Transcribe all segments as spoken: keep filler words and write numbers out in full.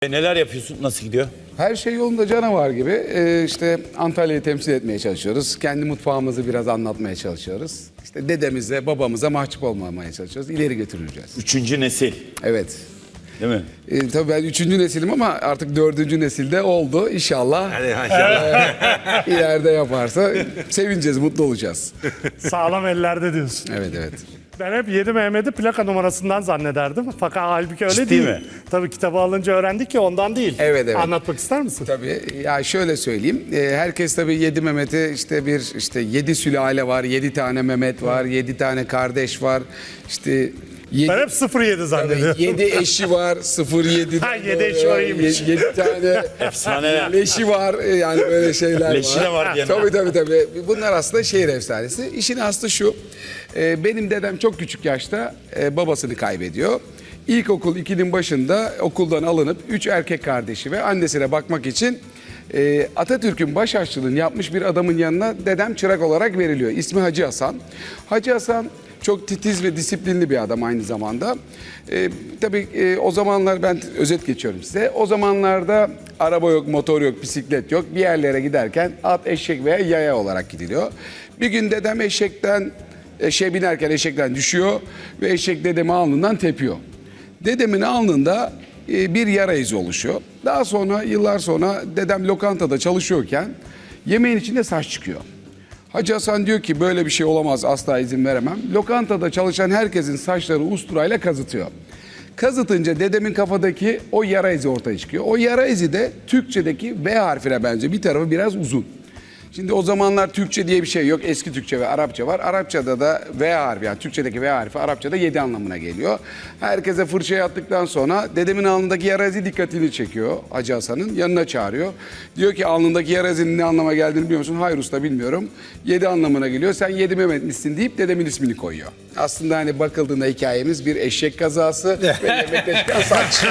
E neler yapıyorsun? Nasıl gidiyor? Her şey yolunda canavar gibi. Ee, işte Antalya'yı temsil etmeye çalışıyoruz. Kendi mutfağımızı biraz anlatmaya çalışıyoruz. İşte dedemize, babamıza mahcup olmamaya çalışıyoruz. İleri götüreceğiz. Üçüncü nesil. Evet. Değil mi? Ee, tabii ben üçüncü nesilim ama artık dördüncü nesilde oldu. İnşallah Hadi maşallah. ileride yaparsa sevineceğiz, mutlu olacağız. Sağlam ellerde diyorsun. Evet, evet. Ben hep yedi Mehmet'i plaka numarasından zannederdim. Fakat halbuki öyle Ciddi değil. mi? Tabii kitabı alınca öğrendik ki ondan değil. Evet, evet. Anlatmak ister misin? Tabii ya şöyle söyleyeyim. Ee, herkes tabii yedi Mehmet'i işte bir işte yedi sülale var, yedi tane Mehmet var, yedi tane kardeş var. İşte yedi, Ben hep sıfır yedi zannediyorum. yedi eşi var, sıfır yedi. Ha, yedi eşi o iyiymiş. yedi tane Efsaneler. leşi var, yani böyle şeyler Leşi var. de var diyenler. Tabii tabii tabii. Bunlar aslında şehir efsanesi. İşin aslı şu. e, Benim dedem çok küçük yaşta e, babasını kaybediyor. İlkokul ikinin başında okuldan alınıp üç erkek kardeşi ve annesine bakmak için e, Atatürk'ün baş aşçılığını yapmış bir adamın yanına dedem çırak olarak veriliyor. İsmi Hacı Hasan. Hacı Hasan çok titiz ve disiplinli bir adam aynı zamanda. Ee, tabii e, o zamanlar ben özet geçiyorum size. O zamanlarda araba yok, motor yok, bisiklet yok. Bir yerlere giderken at, eşek veya yaya olarak gidiliyor. Bir gün dedem eşekten, eşeğe binerken eşekten düşüyor ve eşek dedemi alnından tepiyor. Dedemin alnında e, bir yara izi oluşuyor. Daha sonra yıllar sonra dedem lokantada çalışıyorken yemeğin içinde saç çıkıyor. Hacı Hasan diyor ki böyle bir şey olamaz, asla izin veremem. Lokantada çalışan herkesin saçları usturayla kazıtıyor. Kazıtınca dedemin kafadaki o yara izi ortaya çıkıyor. O yara izi de Türkçedeki V harfine benziyor. Bir tarafı biraz uzun. Şimdi o zamanlar Türkçe diye bir şey yok. Eski Türkçe ve Arapça var. Arapçada da V harfi, yani Türkçedeki V harfi Arapçada yedi anlamına geliyor. Herkese fırçayı attıktan sonra dedemin alnındaki yara izi dikkatini çekiyor Hacı Hasan'ın. Yanına çağırıyor. Diyor ki alnındaki yara izinin ne anlama geldiğini biliyor musun? Hayır usta, bilmiyorum. Yedi anlamına geliyor. Sen yedi Mehmet misin deyip dedemin ismini koyuyor. Aslında hani bakıldığında hikayemiz bir eşek kazası ve yemekte çıkan saç.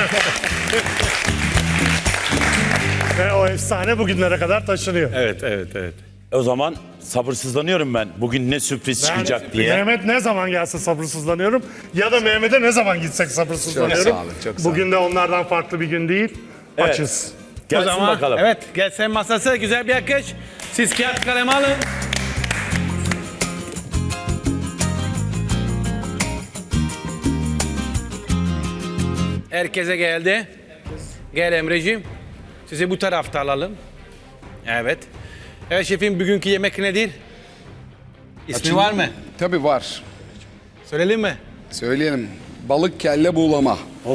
Ve o efsane bugünlere kadar taşınıyor. Evet, evet, evet. O zaman sabırsızlanıyorum ben. Bugün ne sürpriz çıkacak Yani diye. Mehmet ne zaman gelse sabırsızlanıyorum. Ya da Mehmet'e ne zaman gitsek sabırsızlanıyorum. Çok sağ olun, çok sağ olun. Bugün de onlardan farklı bir gün değil. Evet. Açız. Gelsin O zaman, bakalım. Evet, gelsin masası güzel bir akış. Siz kağıt kalem alın. Herkese geldi. Gel Emreciğim. Sizi bu tarafta alalım. Evet. Evet şefim, bugünkü yemek nedir? İsmi var mı? Tabii var. Söyleyelim mi? Söyleyelim. Balık kelle buğulama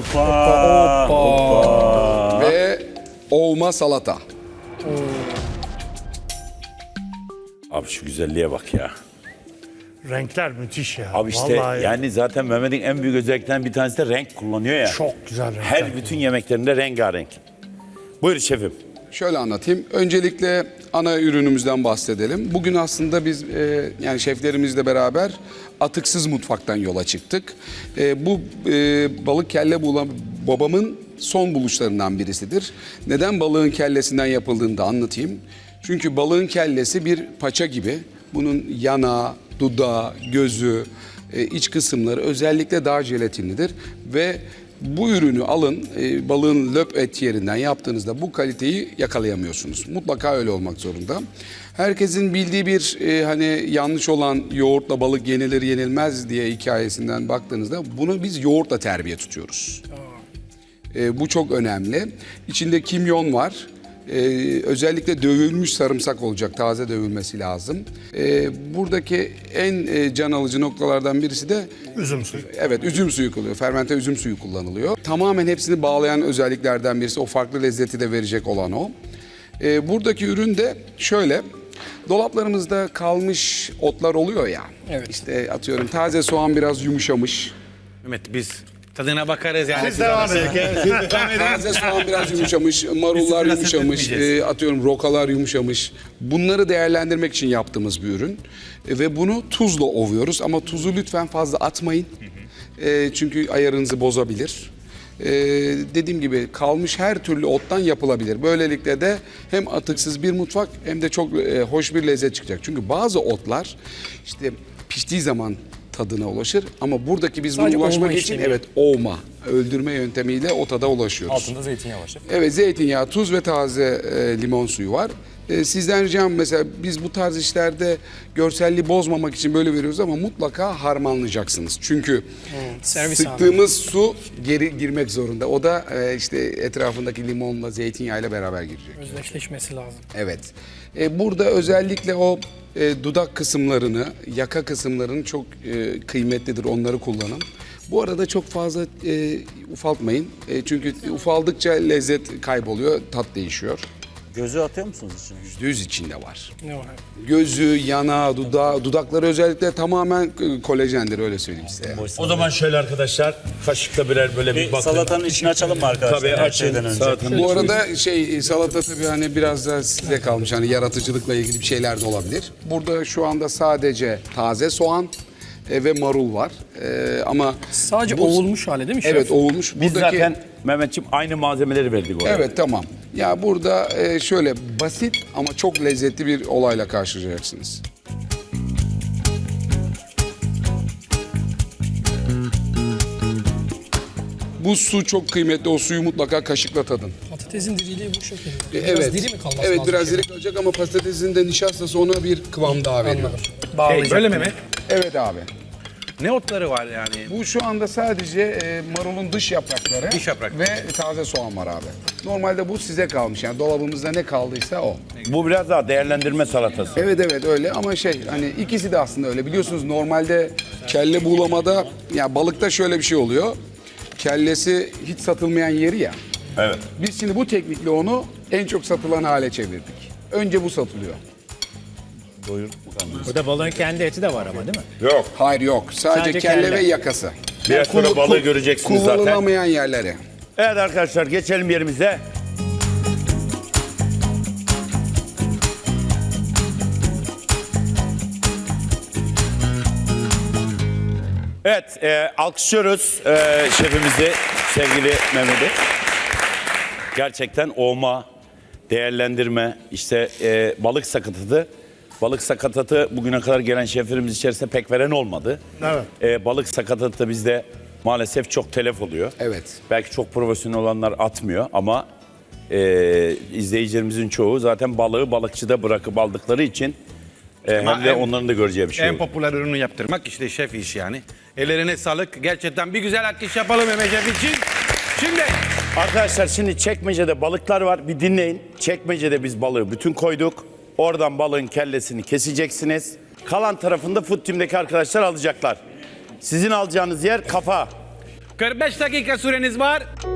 Hoppa. ve ovma salata. Abi şu güzelliğe bak ya. Renkler müthiş ya. Abi işte Vallahi yani zaten Mehmet'in en büyük özelliklerinden bir tanesi de renk kullanıyor ya. çok güzel renkler. Her bütün yemeklerinde rengarenk. Buyur şefim. Şöyle anlatayım. Öncelikle ana ürünümüzden bahsedelim. Bugün aslında biz e, yani şeflerimizle beraber atıksız mutfaktan yola çıktık. E, bu e, balık kelle buğulama babamın son buluşlarından birisidir. Neden balığın kellesinden yapıldığını da anlatayım. Çünkü balığın kellesi bir paça gibi. Bunun yanağı, dudağı, gözü, e, iç kısımları özellikle daha jelatinlidir ve bu ürünü alın, e, balığın löp et yerinden yaptığınızda bu kaliteyi yakalayamıyorsunuz. Mutlaka öyle olmak zorunda. Herkesin bildiği bir e, hani yanlış olan yoğurtla balık yenilir yenilmez diye hikayesinden baktığınızda bunu biz yoğurtla terbiye tutuyoruz. E, bu çok önemli. İçinde kimyon var. Ee, özellikle dövülmüş sarımsak olacak, taze dövülmesi lazım. Ee, buradaki en e, can alıcı noktalardan birisi de Üzüm suyu. evet üzüm suyu kullanılıyor, fermente üzüm suyu kullanılıyor. Tamamen hepsini bağlayan özelliklerden birisi, o farklı lezzeti de verecek olan o. Ee, buradaki ürün de şöyle, dolaplarımızda kalmış otlar oluyor ya. Evet. İşte atıyorum taze soğan biraz yumuşamış. Mehmet biz tadına bakarız yani. Siz devam edin. Taze soğan biraz yumuşamış, marullar Biz yumuşamış, etmeyeceğiz. e, atıyorum rokalar yumuşamış. Bunları değerlendirmek için yaptığımız bir ürün. E, ve bunu tuzla ovuyoruz ama tuzu lütfen fazla atmayın. E, çünkü ayarınızı bozabilir. E, dediğim gibi kalmış her türlü ottan yapılabilir. Böylelikle de hem atıksız bir mutfak hem de çok e, hoş bir lezzet çıkacak. Çünkü bazı otlar işte piştiği zaman tadına ulaşır ama buradaki biz bunu Sadece ulaşmak ovma için işlemi. evet ovma. öldürme yöntemiyle o tada ulaşıyoruz. Altında zeytinyağı var şef. Evet, zeytinyağı, tuz ve taze e, limon suyu var. E, sizden ricam mesela biz bu tarz işlerde görselliği bozmamak için böyle veriyoruz ama mutlaka harmanlayacaksınız. Çünkü servis sıktığımız su geri girmek zorunda. O da e, işte etrafındaki limonla, zeytinyağıyla beraber girecek. Özdeşleşmesi lazım. Evet. E, burada özellikle o e, dudak kısımlarını, yaka kısımlarını çok e, kıymetlidir. Onları kullanın. Bu arada çok fazla e, ufaltmayın. E, çünkü ufaldıkça lezzet kayboluyor, tat değişiyor. Gözü atıyor musunuz içine? yüzde yüz içinde var. Ne var? Gözü, yanağı, dudağı, dudakları özellikle tamamen e, kolajendir öyle söyleyeyim size. O zaman şöyle arkadaşlar, kaşıkla birer böyle bir, Bir bakın. salatanın içini açalım mı arkadaşlar? Tabii her açın. şeyden önce. Salatanın Bu arada şey salata tabii hani biraz da size kalmış. Hani yaratıcılıkla ilgili bir şeyler de olabilir. Burada şu anda sadece taze soğan e, ve marul var. E, ama Sadece bu- ovulmuş hali değil mi şef? Evet, ovulmuş. Biz Buradaki zaten Mehmetciğim aynı malzemeleri verdik oraya. Evet, tamam. Ya burada e, şöyle basit ama çok lezzetli bir olayla karşılaşacaksınız. Bu su çok kıymetli. O suyu mutlaka kaşıkla tadın. Patatesin diriliği bu şekilde. E, Biraz evet. diri mi kalması Evet, lazım? biraz şef? diri kalacak ama patatesin de nişastası ona bir kıvam daha veriyor. Anladım. Bağlayacak. Böyle mi Mehmet? Evet abi. Ne otları var yani? Bu Bu şu anda sadece e, marulun dış yaprakları Dış yaprak. ve taze soğan var abi. Normalde bu size kalmış. Yani dolabımızda ne kaldıysa o. Bu biraz daha değerlendirme salatası. Evet evet öyle ama şey hani ikisi de aslında öyle. Biliyorsunuz normalde kelle buğulamada ya balıkta şöyle bir şey oluyor. Kellesi hiç satılmayan yeri ya. Evet. Biz şimdi bu teknikle onu en çok satılan hale çevirdik. Önce bu satılıyor. Burada balığın kendi eti de var ama değil mi? Yok. Hayır yok. Sadece, Sadece kelle, kelle. ve yakası. Biraz sonra Kullan- balığı göreceksiniz zaten. Kullanılamayan yerleri. Evet arkadaşlar geçelim yerimize. Evet, e, alkışlıyoruz e, şefimizi, sevgili Mehmet'i. Gerçekten olma, değerlendirme, işte e, balık sakatatı. Balık sakatatı bugüne kadar gelen şeflerimiz içerisinde pek veren olmadı. Evet. E, balık sakatatı da bizde maalesef çok telef oluyor. Evet. Belki çok profesyonel olanlar atmıyor ama e, izleyicilerimizin çoğu zaten balığı balıkçıda bırakıp aldıkları için e, Ama hem de en- onların da göreceği bir şey En oldu. popüler ürünü yaptırmak işte şef iş yani. Ellerine sağlık. Gerçekten bir güzel alkış yapalım Mehmet Şef için. Şimdi Arkadaşlar şimdi çekmecede balıklar var. Bir dinleyin. Çekmecede biz balığı bütün koyduk. Oradan balığın kellesini keseceksiniz. Kalan tarafında Food Team'deki arkadaşlar alacaklar. Sizin alacağınız yer kafa. kırk beş dakika süreniz var.